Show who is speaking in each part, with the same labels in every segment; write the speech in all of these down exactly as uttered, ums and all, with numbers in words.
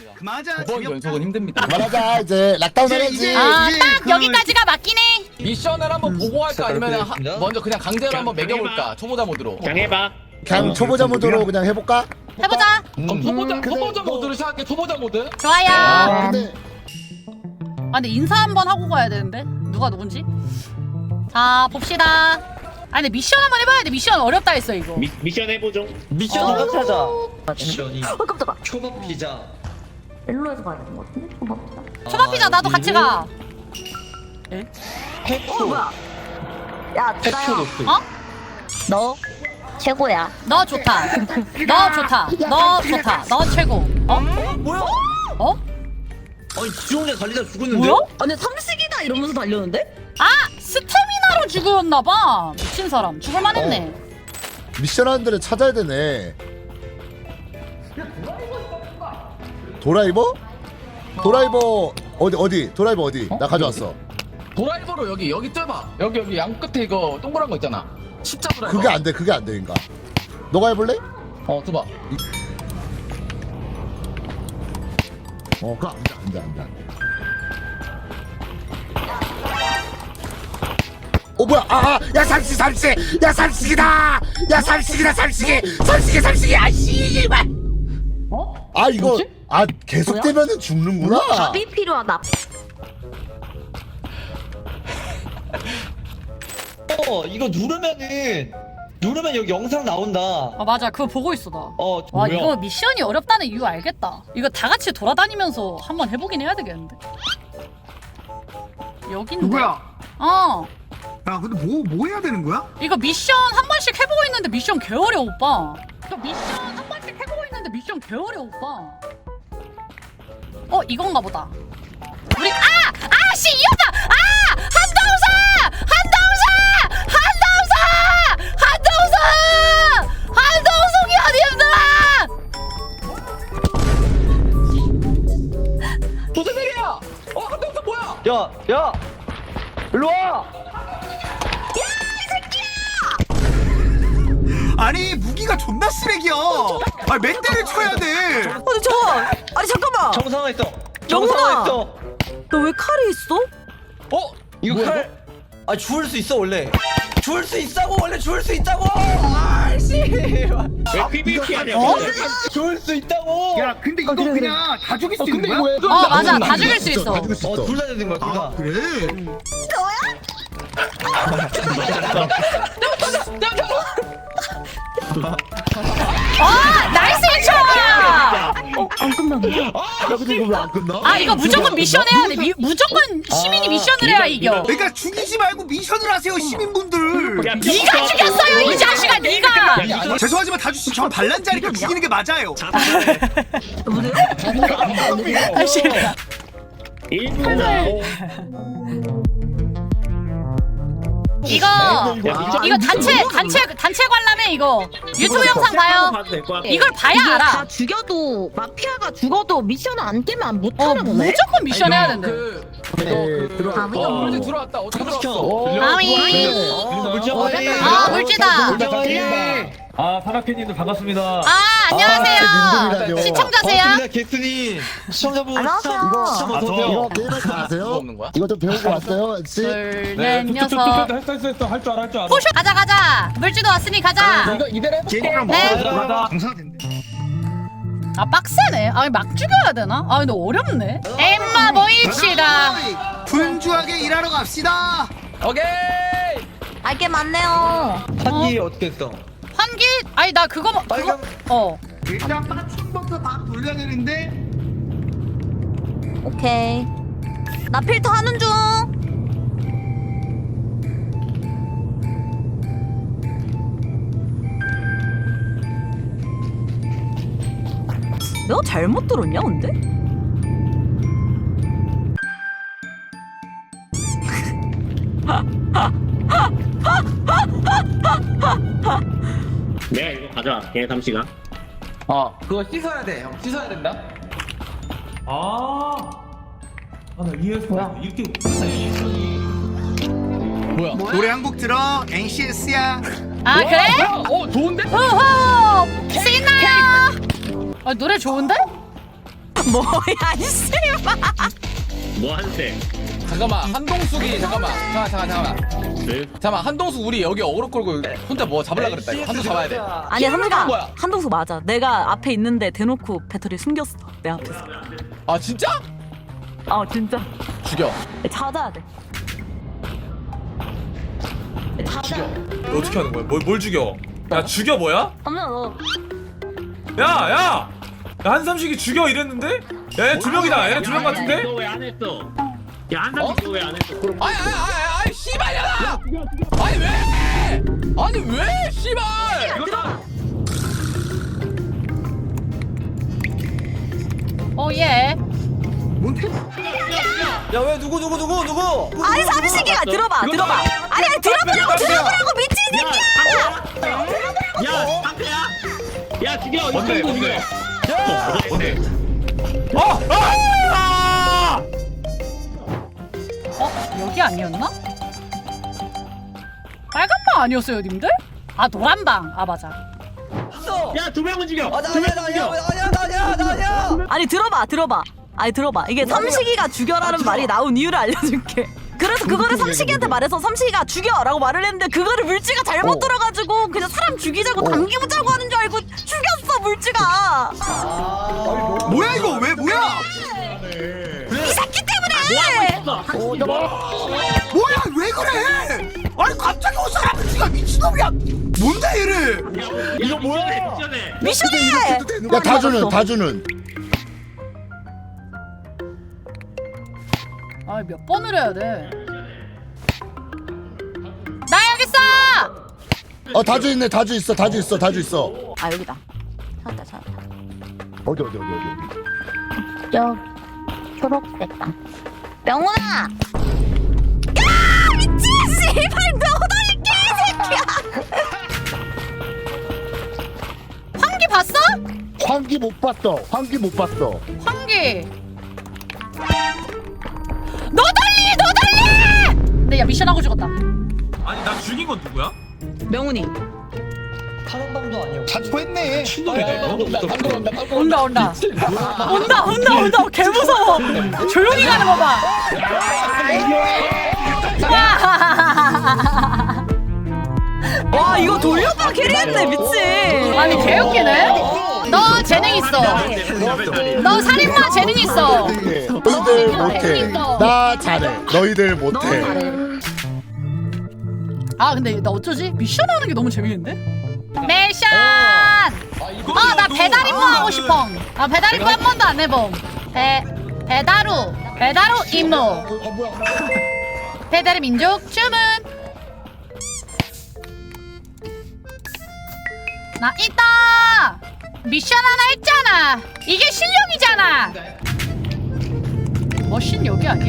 Speaker 1: 그만하자.
Speaker 2: 두 번 연속은 힘듭니다.
Speaker 3: 말하자 이제 락다운 해야지.
Speaker 4: 아,
Speaker 1: 이제
Speaker 4: 딱
Speaker 1: 그-
Speaker 4: 여기까지가 맞긴 해.
Speaker 2: 미션을 한번 보고 할까 아니면 하,
Speaker 5: 그렇습니다.
Speaker 2: 먼저 그냥 강제로 한번 매겨볼까 초보자 모드로.
Speaker 6: 그냥 해봐.
Speaker 3: 그냥 초보자 모드로 그냥 해볼까?
Speaker 4: 해보자.
Speaker 2: 그럼 초보자
Speaker 3: 근데
Speaker 2: 초보자
Speaker 3: 뭐-
Speaker 2: 모드로 시작할게. 초보자 모드.
Speaker 4: 좋아요.
Speaker 3: 아
Speaker 4: 아,
Speaker 3: 근데
Speaker 4: 근데 인사 한번 하고 가야 되는데 누가 누군지. 자, 봅시다. 아, 근데 미션 한번 해봐야 돼. 미션 어렵다 했어 이거.
Speaker 6: 미, 미션 해보죠.
Speaker 5: 미션
Speaker 7: 어.
Speaker 5: 찾아. 미션이
Speaker 7: 어 깜짝아.
Speaker 5: 초밥 피자.
Speaker 7: 일로에서 가야 되는 거 같은데? 초밥 피자.
Speaker 4: 초밥 피자 나도 같이 가.
Speaker 7: 어
Speaker 5: 해초.
Speaker 7: 뭐야? 야
Speaker 5: 해초
Speaker 7: 나야.
Speaker 5: 높이.
Speaker 4: 어?
Speaker 7: 너 최고야.
Speaker 4: 너 좋다. 너 좋다. 너 좋다. 너 최고. 어?
Speaker 5: 뭐야?
Speaker 4: 어?
Speaker 5: 아니 지원에 달리다 죽었는데.
Speaker 4: 뭐야?
Speaker 7: 아니 삼식이다 이러면서 달렸는데?
Speaker 4: 아, 스태미나로 죽였나봐. 미친 사람. 죽을만했네.
Speaker 3: 미션 하는 데를 찾아야 되네. 도라이버? 도라이버 어디 어디? 도라이버 어디? 나 가져왔어.
Speaker 2: 도라이버로 여기 여기 쪄봐. 여기 여기 양 끝에 이거 동그란 거 있잖아. 십자 도라이버.
Speaker 3: 그게 안 돼. 그게 안 돼, 인가? 너가 해볼래?
Speaker 2: 어, 둬봐.
Speaker 3: 어, 그거 안 돼, 안 돼, 안 돼. 안 돼. 어 뭐야? 아, 아, 야 삼식 삼식, 야 삼식이다, 야 삼식이다 삼식이, 삼식이 삼식이, 아 씨발.
Speaker 4: 어?
Speaker 3: 아 이거
Speaker 4: 뭐지?
Speaker 3: 아 계속되면은 죽는구나.
Speaker 7: 답이 필요하다.
Speaker 5: 어 이거 누르면은 누르면 여기 영상 나온다.
Speaker 4: 아, 맞아. 그거 보고 있어 나.
Speaker 5: 어
Speaker 4: 와,
Speaker 5: 뭐야?
Speaker 4: 이거 미션이 어렵다는 이유 알겠다. 이거 다 같이 돌아다니면서 한번 해보긴 해야 되겠는데. 여긴데.
Speaker 1: 누구야?
Speaker 4: 어.
Speaker 1: 야 근데 뭐 뭐 해야 되는 거야?
Speaker 4: 이거 미션 한 번씩 해보고 있는데 미션 개어려 오빠. 이거 미션 한 번씩 해보고 있는데 미션 개어려 오빠. 어, 이건가 보다. 우리 아! 아! 씨! 이 오빠! 아! 한동사! 한동사! 한동사! 한동사! 한동숙이 어디 있더라!
Speaker 2: 무슨 일이야? 어, 한동서 뭐야?
Speaker 5: 야, 야, 일로 와.
Speaker 1: 아니 무기가 존나 쓰레기야. 아 몇 대를 쳐야 돼.
Speaker 7: 아니 저 아니 잠깐만.
Speaker 5: 정상화했어.
Speaker 7: 영훈아!
Speaker 5: 정상화했어.
Speaker 7: 너 왜 칼이 있어?
Speaker 5: 어? 이거
Speaker 2: 뭐야,
Speaker 5: 칼? 아 주울 수 있어 원래. 주울 수 있다고 원래 주울 수 있다고. 아씨.
Speaker 6: 왜 피비피 하냐고.
Speaker 4: 어?
Speaker 5: 주울 수 있다고.
Speaker 1: 야 근데 이거
Speaker 7: 그래, 그래.
Speaker 1: 그냥 다 죽일 수 있는 거야?
Speaker 4: 어, 맞아. 다 죽일 수 있어.
Speaker 3: 다 죽일 수
Speaker 5: 어
Speaker 3: 있어.
Speaker 5: 둘 다 되는 거야 둘
Speaker 1: 아
Speaker 5: 다.
Speaker 1: 그래?
Speaker 4: 아! 나이스 인초야!
Speaker 7: 안 끝났네.
Speaker 3: 야 근데 이거 왜 안 끝나?
Speaker 4: 아, 이거 무조건 미션 해야 돼. 미, 무조건 시민이
Speaker 5: 아,
Speaker 4: 미션을 해야 이겨.
Speaker 1: 그러니까 죽이지 말고 미션을 하세요 시민분들.
Speaker 6: 야,
Speaker 4: 네가 죽였어요, 이 자식아, 네가.
Speaker 1: 죄송하지만 다주씨 저 반란자니까 죽이는 게 맞아요.
Speaker 4: 아씨.
Speaker 6: 일부러.
Speaker 4: 이거 이거 단체 단체 단체 관람해 이거. 유튜브 영상 봐요.
Speaker 6: 봐도 될 것 같아.
Speaker 4: 이걸 봐야
Speaker 7: 이게
Speaker 4: 알아.
Speaker 7: 다 죽여도 마피아가 죽어도 미션을 안 깨면 못
Speaker 4: 어,
Speaker 7: 하나 보네.
Speaker 4: 무조건 미션 해야 된대.
Speaker 2: 그 이거
Speaker 3: 네,
Speaker 2: 그
Speaker 3: 들어와.
Speaker 7: 아무도
Speaker 2: 어,
Speaker 7: 모르는
Speaker 2: 물지 들어왔다. 어떻게
Speaker 5: 시켜.
Speaker 2: 들어왔어?
Speaker 4: 아미.
Speaker 5: 어, 물정
Speaker 7: 어,
Speaker 5: 화해.
Speaker 4: 아, 물지다.
Speaker 5: 물정 화해.
Speaker 8: 아, 사나케님들 반갑습니다.
Speaker 4: 아, 안녕하세요.
Speaker 3: 민들이라뇨.
Speaker 4: 시청자세요.
Speaker 5: 반갑습니다 게스님. 시청자분
Speaker 7: 안녕하세요.
Speaker 3: 이거
Speaker 5: 시청
Speaker 8: 아,
Speaker 5: 어서
Speaker 8: 저-
Speaker 5: 오세요.
Speaker 3: 이거 게임할 줄 아세요?
Speaker 2: 뭐 없는 거야?
Speaker 3: 이거 좀 배우고 왔어요, 씨?
Speaker 4: 둘,
Speaker 8: 네,
Speaker 4: 넷,
Speaker 8: 툭툭툭툭
Speaker 4: 여섯.
Speaker 8: 했어, 했어, 했어. 할 줄 알아, 할 줄 알아.
Speaker 4: 포쇼 가자 가자. 물지도 왔으니 가자.
Speaker 2: 이거 이대로 해볼게.
Speaker 1: 게임이랑
Speaker 4: 네.
Speaker 1: 먹어도 정상화 된대.
Speaker 4: 아, 빡세네. 아, 막 죽여야 되나? 아, 근데 어렵네. 엠마 모이치다.
Speaker 1: 분주하게 일하러 갑시다.
Speaker 2: 오케이.
Speaker 7: 알게 많네요.
Speaker 5: 한기 어떻게 했어?
Speaker 4: 환기? 아니, 나 그거 뭐- 그거
Speaker 5: 빨간
Speaker 4: 어.
Speaker 1: 일단 빠충부터 다 돌려야 되는데.
Speaker 7: 오케이. 나 필터 하는 중. 내가 잘못 들었냐 근데?
Speaker 6: 내가 이거 가져갈게, 삼시가.
Speaker 2: 어, 그거 씻어야 돼. 형, 씻어야 된다.
Speaker 8: 아, 아, 나 이해했어. 뭐야? 이렇게
Speaker 2: 뭐야?
Speaker 1: 노래 한 곡 들어. 엔씨에스야.
Speaker 4: 아, 그래?
Speaker 2: 뭐야? 어, 좋은데?
Speaker 4: 호호! 신나요! 아, 노래 좋은데?
Speaker 7: 뭐야 이씨.
Speaker 6: 뭐 하는데?
Speaker 2: 잠깐만 한동숙이 잠깐만 잠깐 잠깐 잠깐만
Speaker 6: 네?
Speaker 2: 잠깐만 한동숙 우리 여기 어그로 끌고 혼자 뭐 잡으려 그랬다 이거 한동 잡아야 돼.
Speaker 7: 아니 한동가
Speaker 2: 뭐야?
Speaker 7: 한동수 맞아. 내가 앞에 있는데 대놓고 배터리 숨겼어 내 앞에서.
Speaker 2: 아 진짜?
Speaker 7: 아 진짜.
Speaker 2: 죽여.
Speaker 7: 찾아야 돼. 찾아.
Speaker 8: 너 어떻게 하는 거야? 뭘, 뭘 죽여? 야 죽여 뭐야?
Speaker 7: 엄마 너.
Speaker 8: 야 야! 야 한삼식이 죽여 이랬는데? 야얘 두 명이다. 얘네 두 명 같은데?
Speaker 6: 너 왜 안 했어? 야 한삼 너 왜 안 했어? 그럼
Speaker 2: 아니 아니 아니 아니 씨발이야! 아니 왜? 아니 왜 씨발?
Speaker 8: 이거다.
Speaker 4: 오예.
Speaker 5: 야 왜 누구 누구 누구 누구?
Speaker 7: 아니 삼식이가 들어봐 들어봐. 아니 아니 들어보라고 들어보라고 미친 새끼야.
Speaker 6: 야 한패야? 야 죽여
Speaker 8: 뭔데,
Speaker 6: 이거
Speaker 8: 뭔데?
Speaker 6: 죽여.
Speaker 8: 뭔데? 어! 아!
Speaker 4: 어? 여기 아니었나? 빨간 방 아니었어요, 님들? 아 노란 방. 아 맞아.
Speaker 6: 야두 명은 죽여.
Speaker 5: 아나
Speaker 6: 두
Speaker 5: 아니야
Speaker 6: 명은
Speaker 5: 나
Speaker 6: 죽여.
Speaker 5: 아니야 나 아니야 나 아니야 나 아니야.
Speaker 7: 아니 들어봐 들어봐. 아니 들어봐. 이게 삼식이가 죽여라는 말이 나온 이유를 알려줄게. 그래서 그거를 삼식이한테 말해서 삼식이가 죽여라고 말을 했는데 그거를 물지가 잘못 들어가지고 그냥 사람 죽이자고 당기자고 하는 줄 알고 죽였어 물지가.
Speaker 1: 뭐야 이거 왜 뭐야?
Speaker 7: 이 새끼 때문에.
Speaker 1: 뭐야 왜 그래? 아니 갑자기 온 사람을 지가 미친놈이야. 뭔데 얘를?
Speaker 6: 이거 뭐야? 미션해.
Speaker 7: 미션해.
Speaker 3: 야 다주는 다주는
Speaker 4: 아 몇 번을 해야 돼? 나 여기 있어.
Speaker 3: 어 다주 있네 다주 있어 다주 있어 다주 있어
Speaker 7: 아 여기다. 찾았다 찾았다.
Speaker 3: 어디 어디 어디 어디
Speaker 7: 저 초록색 땅. 명훈아. 야 미친 씨발 너덜 개새끼야.
Speaker 4: 환기 봤어?
Speaker 3: 환기 못 봤어 환기 못 봤어
Speaker 4: 환기. 너덜리 너덜리. 근데 야 미션 하고 죽었다.
Speaker 8: 아니 나 죽인 건 누구야?
Speaker 7: 명훈이.
Speaker 5: 타는 방도 아니야.
Speaker 1: 자초했네.
Speaker 2: 온다 방금 온다 방금
Speaker 4: 온다 온다. 온다 온다 온다. 개 무서워. 조용히 가는 거 봐.
Speaker 7: 와 이거 돌려봐 캐리했네 미친.
Speaker 4: 아니 개웃기네. 너 재능 있어. 너 살인마 재능 있어.
Speaker 3: 너희들 못해 나 잘해 너희들 못해
Speaker 4: 아 근데 나 어쩌지? 미션 하는 게 너무 재밌는데? 미션! 아 나 배달 임무 하고 싶어. 아 배달 임무 한 번도 안 해봄. 배 배달우 배달우 임무. 배달의 민족 주문. 나 있다. 미션 하나 했잖아. 이게 실력이잖아. 머신 여기 아니야?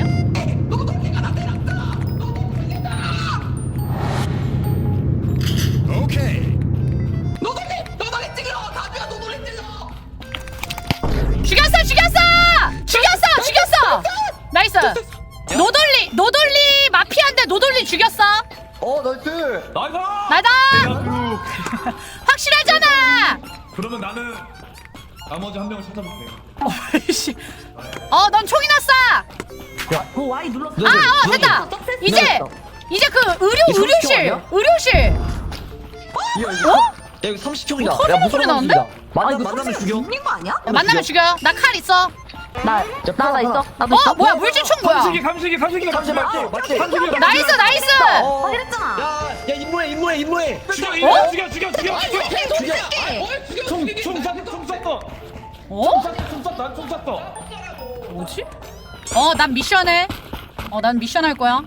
Speaker 4: 죽였어 죽였어 죽였어 죽였어 나이스. 노돌리 노돌리 마피아인데 노돌리 죽였어.
Speaker 5: 어 나이스.
Speaker 8: 나이스!
Speaker 4: 나다.
Speaker 8: 내가
Speaker 4: 확실하잖아.
Speaker 8: 그러면 나는 나머지 한 명을 찾아볼게.
Speaker 4: 어이씨. 어넌 총이 났어.
Speaker 7: 어 와이 눌렀어.
Speaker 4: 아어 됐다. 이제 이제 그 의료 의료실 의료실. 어?
Speaker 5: 야 이거 삼십 총이다.
Speaker 4: 뭐 터지는 소리 나는데?
Speaker 5: 만나 만나면 죽여.
Speaker 7: 죽인 거 아니야?
Speaker 4: 만나면 죽여. 나 칼 있어.
Speaker 7: 나 나나 있어. 나도
Speaker 4: 어
Speaker 7: 있어.
Speaker 4: 뭐야 물질총 뭐야?
Speaker 8: 삼식이 삼식이 삼식이
Speaker 5: 삼십 맞지? 맞지?
Speaker 8: 삼식이
Speaker 4: 나이스 나이스.
Speaker 5: 어.
Speaker 7: 확인했잖아.
Speaker 5: 야, 야 임무해 임무해 임무해.
Speaker 8: 죽여
Speaker 4: 어?
Speaker 8: 죽여 죽여 죽여 죽여 총총 쐈어 총 쐈어
Speaker 4: 어?
Speaker 8: 총 쐈어 난 총 쐈어.
Speaker 4: 뭐지? 어 난 미션해. 어 난 미션 할 거야.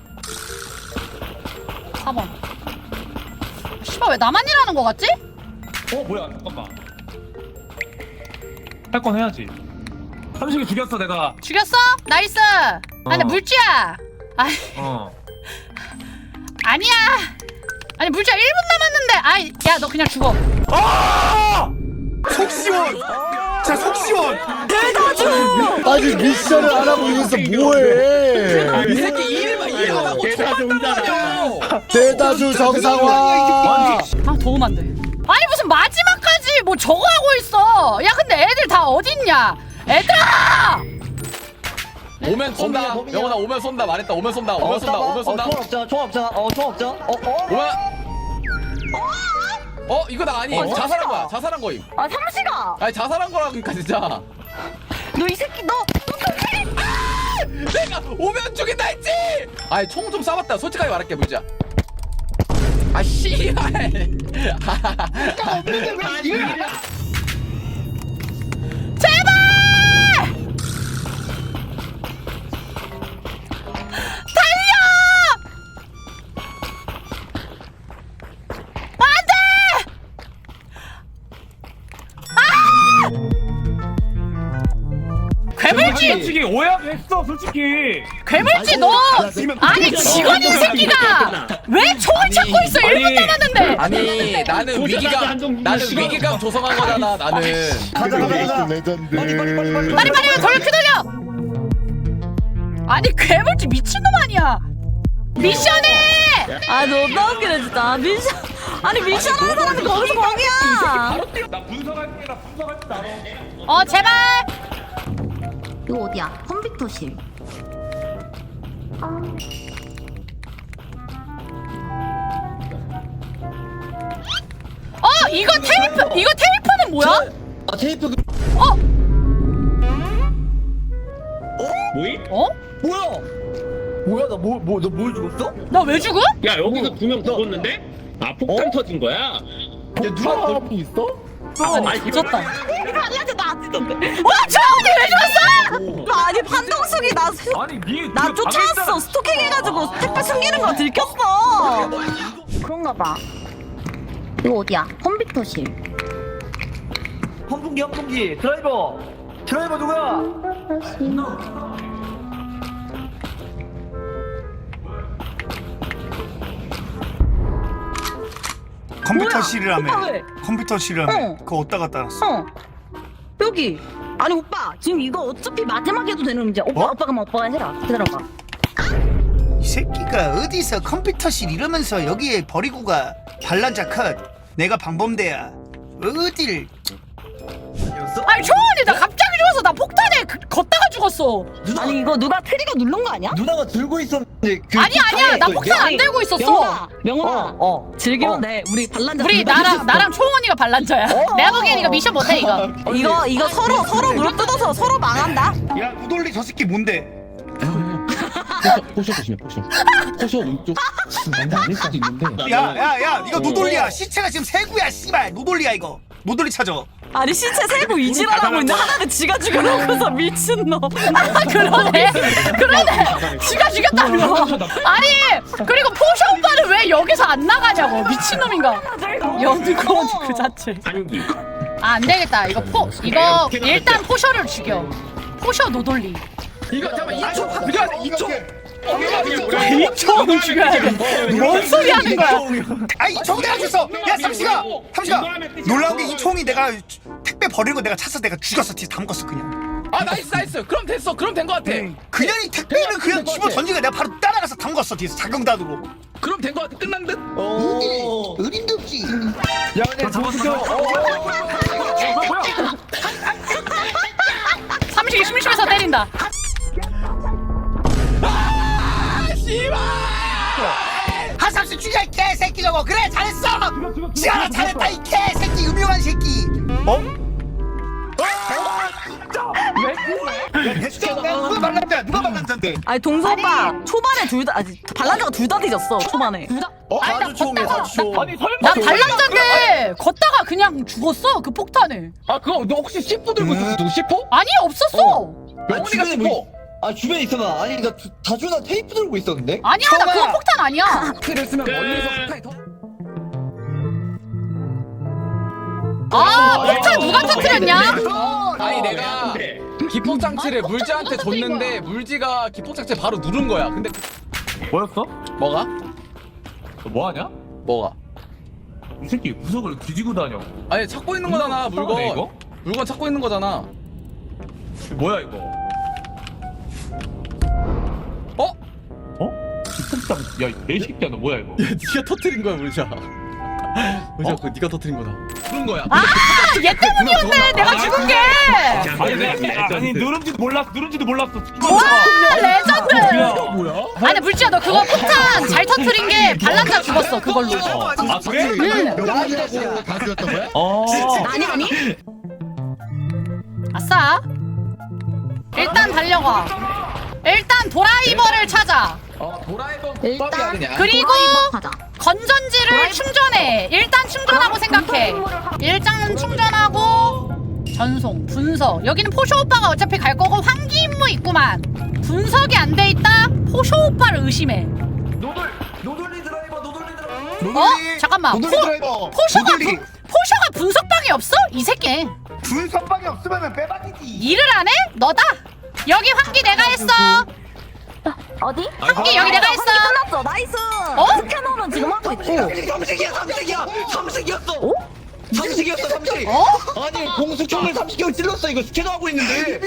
Speaker 4: 사 번. 씨발 왜 나만 일하는 거 같지?
Speaker 8: 어 뭐야 잠깐만 할 건 해야지. 삼식이 죽였어 내가.
Speaker 4: 죽였어? 나이스. 아 근데
Speaker 8: 어.
Speaker 4: 물지야. 아
Speaker 8: 어
Speaker 4: 아니야. 아니 물지야 일 분 남았는데. 아이 야 너 그냥 죽어.
Speaker 8: 아!
Speaker 1: 속 시원. 자 속 시원.
Speaker 3: 아니 미션을 안 하고 여기서 뭐해
Speaker 2: 이 새끼 일만 일만 하고
Speaker 6: 대사 종잖아.
Speaker 3: 대다주 정상화
Speaker 4: 아 도움 안 돼. 아니 무슨 마지막까지 뭐 저거 하고 있어. 야 근데 애들 다 어딨냐? 얘들아!
Speaker 2: 오면 쏜다.
Speaker 5: 범인이야.
Speaker 2: 영원아 오면 쏜다. 말했다. 오면 쏜다. 오면 쏜다. 오면 쏜다.
Speaker 5: 어, 총 없잖아 총 없잖아 어총 없잖아 어어
Speaker 2: 오면. 어 이거 나 아니. 자살한 거야. 자살한 거임.
Speaker 7: 아 삼시가
Speaker 2: 아니 자살한 거라니까 진짜.
Speaker 7: 너 이 새끼 너
Speaker 2: 내가 오면 죽인다 했지. 아니 총 좀 쏴봤다. 솔직하게 말할게 물자. 아 씨발.
Speaker 4: 제발! 달려! 안 돼! 아! 괴물지!
Speaker 8: 솔직히 오해했어 솔직히.
Speaker 4: 괴물지 너! 아니 직원인 새끼가 왜 총을 찾고 있어? 일 분 남았는데!
Speaker 2: 아니 나는 위기감 나는 위기감 조성한 거잖아 나는.
Speaker 5: 가자 가자 가자
Speaker 3: 레전드.
Speaker 5: 빨리 빨리 빨리 빨리
Speaker 4: 빨리 빨리 돌려 휘둘려! 아니 괴물지 미친놈 아니야! 미션해!
Speaker 7: 아 너무 웃기네 진짜 미션 아니 미션 하는 사람이 거기서 거기야
Speaker 8: 나 분석할게 나 분석할게 나.
Speaker 4: 어 제발!
Speaker 9: 이거 어디야? 컴퓨터실.
Speaker 4: 어 이거 테이프! 이거 테이프는 뭐야?
Speaker 5: 아 테이프 그
Speaker 4: 어?
Speaker 6: 뭐임?
Speaker 4: 어?
Speaker 5: 뭐야 뭐야 나 뭐 뭐 너 뭘 죽었어?
Speaker 4: 나 왜 죽어?
Speaker 6: 야 여기서 두 명 죽었는데? 아 폭탄 터진 거야?
Speaker 5: 야 누가 있어?
Speaker 4: 아니 조졌다
Speaker 7: 아니한테 나 아직도
Speaker 4: 와 저언니 왜 죽었어?
Speaker 7: 아니 판동숙이 나
Speaker 8: 아니 니.
Speaker 7: 나
Speaker 8: 그
Speaker 7: 쫓아왔어
Speaker 8: 방금
Speaker 7: 스토킹 해가지고 택배 숨기는 거 들켰어
Speaker 9: 그런가 봐. 이거 어디야? 컴퓨터실.
Speaker 5: 환풍기 환풍기 드라이버 드라이버 누구야?
Speaker 1: 컴퓨터실이라며.
Speaker 7: 오빠 왜?
Speaker 1: 컴퓨터실이라며.
Speaker 7: 어.
Speaker 1: 그거 어디다 갖다 놨어?
Speaker 7: 어 여기 아니 오빠 지금 이거 어차피 마지막에 해도 되는 문제야 오빠
Speaker 1: 어?
Speaker 7: 오빠가 뭐 오빠가 해라 기다려봐
Speaker 1: 이 새끼가 어디서 컴퓨터실 이러면서 여기에 버리고 가. 반란자 컷. 내가 방범대야. 어딜.
Speaker 4: 아니 초원이 나 갑자기 죽었어 나 폭탄에 그, 걷다가 죽었어
Speaker 7: 아니 이거 누가 트리거 누른 거 아니야?
Speaker 5: 누나가 들고 있었는데 그
Speaker 4: 아니 아니야 나
Speaker 5: 폭탄에
Speaker 4: 폭탄 안 들고 있었어
Speaker 7: 명훈아 명훈아
Speaker 5: 어, 어.
Speaker 7: 즐기면
Speaker 5: 어.
Speaker 7: 돼 우리 반란자
Speaker 4: 우리
Speaker 7: 둘다
Speaker 4: 나랑
Speaker 7: 있었어.
Speaker 4: 나랑 초원이가 반란자야 내가 보기엔 이거 미션 못해 이거
Speaker 7: 이거 이거 서로 서로 무릎 뜯어서 서로 망한다
Speaker 1: 야 우돌리 저 새끼 뭔데?
Speaker 6: 포셔 조심해 포셔 포셔 왼쪽 난다 아닐 수도 있는데
Speaker 1: 야야야 이거 노돌리야. 시체가 지금 세구야 씨발. 노돌리야 이거. 노돌리 찾아.
Speaker 7: 아니 신체 세고 이질하라고 있는데 하나는 지가 죽여놓고서 미친놈
Speaker 4: 아 그러네 그러네 지가 죽였다며 아니 그리고 포셔 오빠는 왜 여기서 안 나가냐고 미친놈인가 연두콘 그 자체
Speaker 6: 한기
Speaker 4: 아 안되겠다 이거 포 이거 일단 포셔를 죽여 포셔 노돌리
Speaker 2: 이거 잠깐만 이총 그냥 이총
Speaker 4: 이총은 죽여야 돼뭔 소리 하는 거야
Speaker 1: 아이 총 내가 줬어. 야 삼시가 삼시가 놀라운 게 이 총이 내가 택배 버리고 내가 찾아서 내가 죽였어. 뒤에 다 먹었어 그냥.
Speaker 2: 아 나이스 나이스. 그럼 됐어. 그럼 된 거 같아.
Speaker 1: 그냥 이 택배는 그냥 집어 던지고 내가 바로 따라가서 다 먹었어. 뒤에서 자경단으로.
Speaker 2: 그럼 된 거 같아. 끝난 듯.
Speaker 5: 어.
Speaker 1: 어림도 없지.
Speaker 5: 야 근데 잡았어
Speaker 4: 삼식이 심심해서 때린다
Speaker 2: 아 씨발.
Speaker 1: 하삼씨 죽여 이 개새끼 저거. 그래 잘했어. 지하나 잘했다 이 개새끼 음흉한 새끼. 어? 누가 반란자야? 누가 반란자인데?
Speaker 7: 아니 동서 오빠 초반에 둘다 아니 반란자가 둘 다 뒤졌어 초반에
Speaker 5: 어? 사주총이야 사주총
Speaker 8: 아니 설마.
Speaker 4: 나 반란자인데 걷다가 그냥 죽었어 그 폭탄에
Speaker 2: 아 그거 너 혹시 씨포 들고 있었어? 누구 씨포?
Speaker 4: 아니 없었어
Speaker 2: 영훈이가 씨포.
Speaker 5: 아 주변에 있어봐 아니 나 주- 다준아 테이프 들고 있었는데?
Speaker 4: 아니야 나 그거 폭탄 아니야
Speaker 2: 그를 쓰면 멀리서 폭탄이 더.
Speaker 4: 아 폭탄 누가 터뜨렸냐
Speaker 2: 아니 내가 기폭 장치를 물지한테 줬는데 물지가 기폭 장치 바로 누른 거야. 근데
Speaker 8: 뭐였어?
Speaker 2: 뭐가?
Speaker 8: 너 뭐하냐?
Speaker 2: 뭐가?
Speaker 8: 이 새끼 구석을 뒤지고 다녀.
Speaker 2: 아니 찾고 있는 거잖아 물건.
Speaker 8: 이상하네, 이거?
Speaker 2: 물건 찾고 있는 거잖아.
Speaker 8: 뭐야 이거?
Speaker 2: 어?
Speaker 8: 어? 기폭장. 야이 개새끼야 너 뭐야 이거?
Speaker 2: 야 니가 터뜨린 거야 물자. 물지야 그거 네가 터뜨린 거다. 그런 거야.
Speaker 4: 아얘 때문이었네 내가 죽은 게.
Speaker 8: 아니 내가 아니 누른지도 몰랐어 누른지도 몰랐어.
Speaker 4: 와 레전드.
Speaker 2: 뭐야?
Speaker 4: 아니 물지야 너 그거 폭탄 잘 터뜨린 게 반란자 죽었어 그걸로.
Speaker 8: 아 그래?
Speaker 3: 명훈이라고 다 죽였던 거야?
Speaker 8: 어.
Speaker 4: 아니 아니. 아싸. 일단 달려가. 일단 도라이버를 찾아.
Speaker 6: 어 도라이버
Speaker 9: 일단
Speaker 6: 국밥이야 그냥.
Speaker 4: 그리고
Speaker 9: 도라이버 타자.
Speaker 4: 건전지를 충전해. 일단 충전하고 생각해. 일단 충전하고 전송, 분석. 여기는 포쇼 오빠가 어차피 갈 거고 환기 임무 있구만. 분석이 안 돼 있다. 포쇼 오빠를 의심해.
Speaker 5: 노돌 노돌리 드라이버 노돌리 드라이버.
Speaker 4: 어? 잠깐만. 포,
Speaker 1: 노돌리 드라이버.
Speaker 4: 포쇼가
Speaker 1: 노돌리.
Speaker 4: 분, 포쇼가 분석방이 없어? 이 새끼.
Speaker 1: 분석방이 없으면 빼박이지.
Speaker 4: 일을 안 해? 너다. 여기 환기 내가 했어.
Speaker 9: 어디?
Speaker 4: 환기 여기 내가 했어.
Speaker 7: 끝났어. 나이스.
Speaker 4: 어?
Speaker 7: 스캐너는 지금 하고 있고.
Speaker 5: 삼식이야 삼식이야 삼식이었어. 삼식이었어 삼식.
Speaker 4: 어?
Speaker 5: 아니 공수총을 삼식이 찔렀어 이거 스캐너 하고 있는데.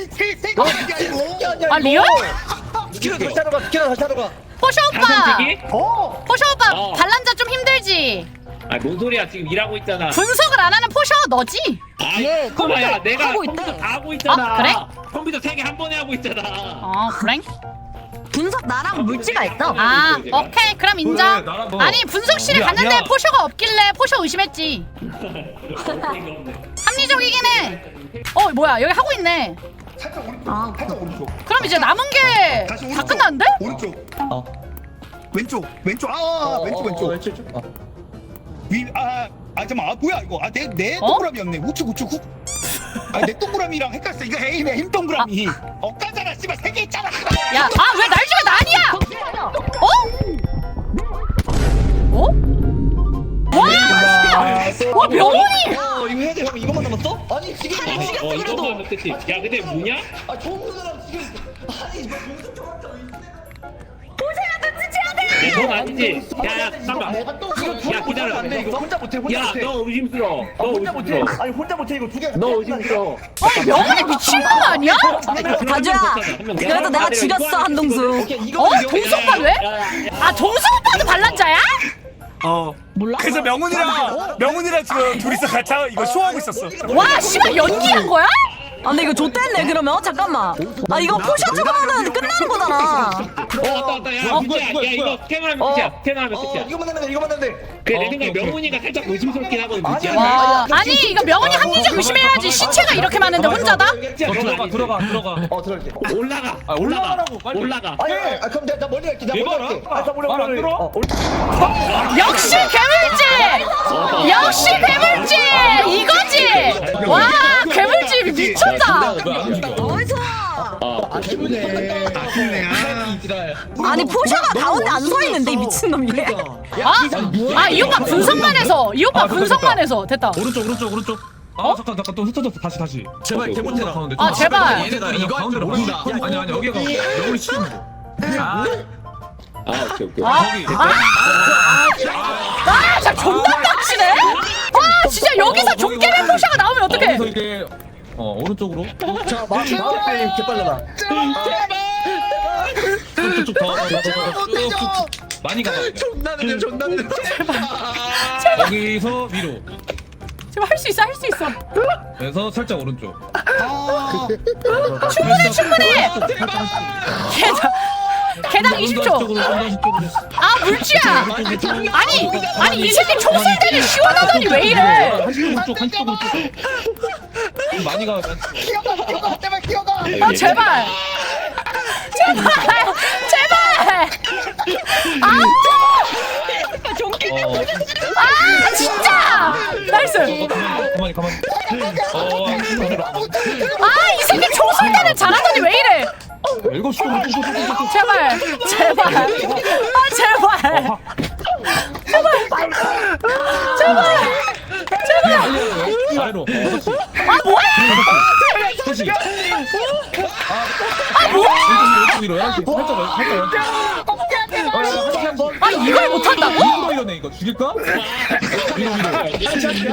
Speaker 4: 아 리얼?
Speaker 5: 스캐너 다시 하러 가 스캐너 다시 하러 가.
Speaker 4: 포쇼 오빠.
Speaker 1: 어.
Speaker 4: 포쇼 오빠
Speaker 10: 어.
Speaker 4: 반란자 좀 힘들지.
Speaker 10: 아, 뭔 소리야? 지금 일하고 있잖아.
Speaker 4: 분석을 안 하는 포쇼 너지?
Speaker 10: 아,
Speaker 7: 예,
Speaker 10: 꼬마야,
Speaker 7: 컴퓨터
Speaker 10: 내가
Speaker 7: 하고
Speaker 10: 컴퓨터
Speaker 7: 있대.
Speaker 10: 다 하고 있잖아.
Speaker 4: 아, 그래?
Speaker 10: 컴퓨터 세 개 한 번에 하고 있잖아.
Speaker 4: 어 그래?
Speaker 7: 분석 나랑 물지가 있어.
Speaker 4: 아 오케이 그럼 인정.
Speaker 8: 그래, 나랑 너.
Speaker 4: 아니 분석실에
Speaker 8: 야,
Speaker 4: 갔는데
Speaker 8: 야.
Speaker 4: 포쇼가 없길래 포쇼 의심했지. 합리적이긴 해. 어 뭐야 여기 하고 있네.
Speaker 1: 살짝 오른쪽.
Speaker 9: 아,
Speaker 1: 살짝 오른쪽.
Speaker 4: 그럼 이제 남은 게
Speaker 1: 다시
Speaker 4: 다
Speaker 1: 오른쪽.
Speaker 4: 끝났는데?
Speaker 1: 오른쪽.
Speaker 5: 어.
Speaker 1: 왼쪽. 왼쪽. 아 왼쪽 왼쪽. 위, 아, 아, 잠깐만, 아, 뭐야, 이거. 아, 내, 내
Speaker 4: 어?
Speaker 1: 동그라미였네. 우측, 우측, 훅. 아, 내 동그라미랑 헷갈렸어. 이거 에임의 힘 동그라미. 엇가잖아, 씨발, 세 개 있잖아.
Speaker 4: 야 아 왜 날 죽여 난이야? 어? 어? 와! 와 명훈이!
Speaker 5: 어 이거 해야 돼 형 이것만 남았어? 아니 지금
Speaker 10: 어, 어, 이거만 못했지. 야, 근데 뭐냐?
Speaker 5: 아 좋은 사람 지금 아니 이거 공수총한테
Speaker 10: 야, 넌 아니지? 야, 야, 잠깐만. 야, 기다려.
Speaker 5: 안돼 이거 혼자 못해 혼자
Speaker 10: 야,
Speaker 5: 못해.
Speaker 10: 너 의심스러워.
Speaker 5: 아,
Speaker 10: 너
Speaker 5: 혼자 못해.
Speaker 10: 의심스러워.
Speaker 5: 아니 혼자 못해 이거 두 개.
Speaker 10: 너 의심스러워.
Speaker 4: 어 명훈이 미친 거 아니야?
Speaker 7: 다주야. 그래도 내가 죽였어 한동수.
Speaker 5: 오케이 이거
Speaker 4: 어? 동수 오빠 왜? 아 동수 오빠도 반란자야?
Speaker 1: 어. 그래서 명훈이랑, 명훈이랑 지금 둘이서 같이 이거 쇼하고 있었어.
Speaker 4: 와 씨발 연기한 거야?
Speaker 7: 아 근데 이거 좆됐네 그러면. 잠깐만. 아 이거 포셔 죽으면 끝나는 거잖아.
Speaker 10: 어, 왔다, 왔다. 야,
Speaker 8: 어,
Speaker 10: 문제야.
Speaker 8: 누구야,
Speaker 10: 야,
Speaker 8: 누구야?
Speaker 10: 이거 스캔하면 끝이야. 스캔하면
Speaker 5: 어
Speaker 10: 끝이야.
Speaker 5: 이거만 하면 돼 이거만 하면 돼.
Speaker 10: 그래, 내
Speaker 8: 어,
Speaker 10: 생각에
Speaker 8: 오케이,
Speaker 10: 명훈이가 살짝 의심스럽긴 하거든,
Speaker 5: 아니,
Speaker 10: 문제야.
Speaker 5: 아니,
Speaker 4: 와
Speaker 5: 아니,
Speaker 4: 아니 이거 명훈이 합리적 의심해야지. 시체가 이렇게 많은데 혼자다?
Speaker 8: 너 들어가 들어가 들어가.
Speaker 5: 어 들어갈게.
Speaker 10: 올라가.
Speaker 8: 아, 올라가라고, 빨리.
Speaker 10: 올라가.
Speaker 5: 아니 아 그럼 내가 나 멀리 갈게. 나 멀리
Speaker 8: 내봐라.
Speaker 5: 갈게. 아나 멀리
Speaker 8: 말안
Speaker 5: 갈게.
Speaker 8: 들어?
Speaker 5: 어, 올라.
Speaker 4: 역시 괴물지! 역시 괴물지! 이거지! 와 괴물지 미쳤다!
Speaker 7: 나이스.
Speaker 5: 아 기분해.
Speaker 1: 아쉽네, 아.
Speaker 7: 아니 포셔가 가운데 안 서 있는데 이 미친놈이.
Speaker 4: 아? 아 이 오빠 분석만 해서 이 오빠
Speaker 8: 아, 그래,
Speaker 4: 분석만
Speaker 8: 됐다.
Speaker 4: 해서 됐다.
Speaker 8: 오른쪽 오른쪽 오른쪽. 아 잠깐 잠깐 또 흩어졌어 다시 다시.
Speaker 5: 제발 개못해라.
Speaker 8: 가운데.
Speaker 4: 아, 제발.
Speaker 8: 얘네가 이거 가운데로 모른다. 아니 아니 여기가 명훈이 치는 거. 아
Speaker 10: 아, 오케이, 오케이.
Speaker 4: 아,
Speaker 8: 거기.
Speaker 4: 아, 진짜 존나 빡치네. 아, 진짜 여기서 종깨맨 포샤가 나오면 어떡해?
Speaker 8: 거기서 이게 어 오른쪽으로.
Speaker 5: 자 마치 마치 개빨라다.
Speaker 8: 쭉쭉 더. 쭉쭉 많이 가봐.
Speaker 5: 존나 느려 존나 느려.
Speaker 8: 여기서 위로.
Speaker 4: 지금 할 수 있어, 할 수 있어.
Speaker 8: 그래서 살짝 오른쪽.
Speaker 4: 충분해, 충분해. 개당, 개당 이십 초.
Speaker 8: 쪽으로 쪽으로.
Speaker 4: 아, 물지야. 아니, 아니 이 새끼 총 쏠 때는 시원하더니 왜 이래?
Speaker 8: 한쪽 오른쪽 한쪽 오른쪽. 많이 가.
Speaker 1: 제발 기어가.
Speaker 4: 아, 제발. 제발, 제발. 아,
Speaker 8: 어.
Speaker 4: 아, 진짜. 나이스.
Speaker 8: 가만히 가만히. 어.
Speaker 4: 아, 이 새끼 총 쏠 때는 잘하더니 왜 이래?
Speaker 8: 일곱 시 오른쪽 오른쪽.
Speaker 4: 제발, 제발. 아, 제발. 제발. 제발.
Speaker 8: 아래로.
Speaker 4: 아, 뭐야?
Speaker 8: 다시.
Speaker 4: 아, 뭐야?
Speaker 8: 왼쪽 위로 열한 시. 살짝 살짝.
Speaker 4: 아, 이걸 못한다고?
Speaker 8: 이거 이러네 이거 죽일까? 위로 위로.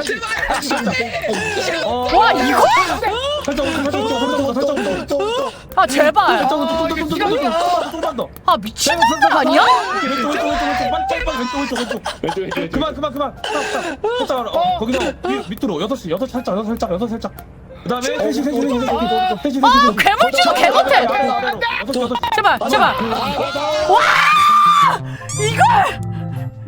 Speaker 4: 와, 이거?
Speaker 8: 살짝 오른쪽 살짝 오른쪽 살짝 오른쪽.
Speaker 4: 아 제발.
Speaker 6: 좀만 더.
Speaker 4: 아 미친 놈들 아니야?
Speaker 6: 왼쪽 왼쪽 왼쪽 왼쪽 빨리 빨리 왼쪽 왼쪽 왼쪽 왼쪽 왼쪽 그만 그만 그만 살짝 어 거기서 위- 밑으로 여섯 시 여섯 살짝 여섯 살짝 여섯 살짝 그다음에 셋이 셋이 셋이 셋이 셋이
Speaker 4: 아 괴물지도 개 못해.
Speaker 6: 여섯 여섯
Speaker 4: 제발 제발. 와 이걸.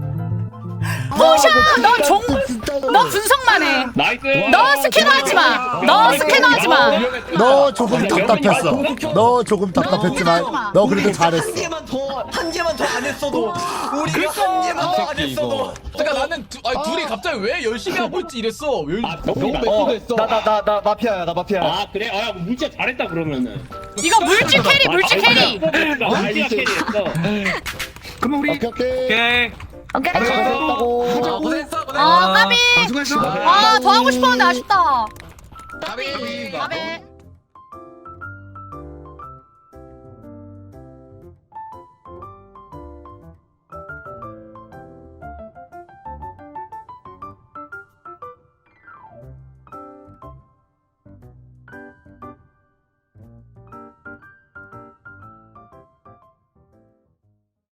Speaker 4: 포샤 너종너 분석만 해.
Speaker 10: 나이스.
Speaker 4: 너 스캐너하지 마. 너 스캐너하지 마.
Speaker 3: 너 조금 답답했어. 너 조금 답답했지만 너 그래도 잘했어.
Speaker 5: 한 개만 더, 한 개만 더 안 했어도 우리가 한 개만 더 안 했어도.
Speaker 2: 그러니까 나는 두, 아니, 둘이 갑자기 왜 열심히 하고 있지 이랬어. 왜
Speaker 10: 아,
Speaker 6: 너무
Speaker 10: 너무
Speaker 6: 매수됐어.
Speaker 5: 나나 나 마피아야, 나 마피아.
Speaker 10: 아 그래? 아 물자 잘했다 그러면은.
Speaker 4: 이거 물질 캐리 물질 캐리.
Speaker 10: 물지가 캐리했어.
Speaker 3: 그럼 우리 오케이 오케이.
Speaker 8: 오케이.
Speaker 9: 오케이.
Speaker 3: 잘했다고.
Speaker 2: 아, 고생했어 고생했어.
Speaker 4: 아 까비.
Speaker 3: 수고했어.
Speaker 4: 아 더 하고 싶었는데 아쉽다.
Speaker 2: 까비.
Speaker 4: 까비.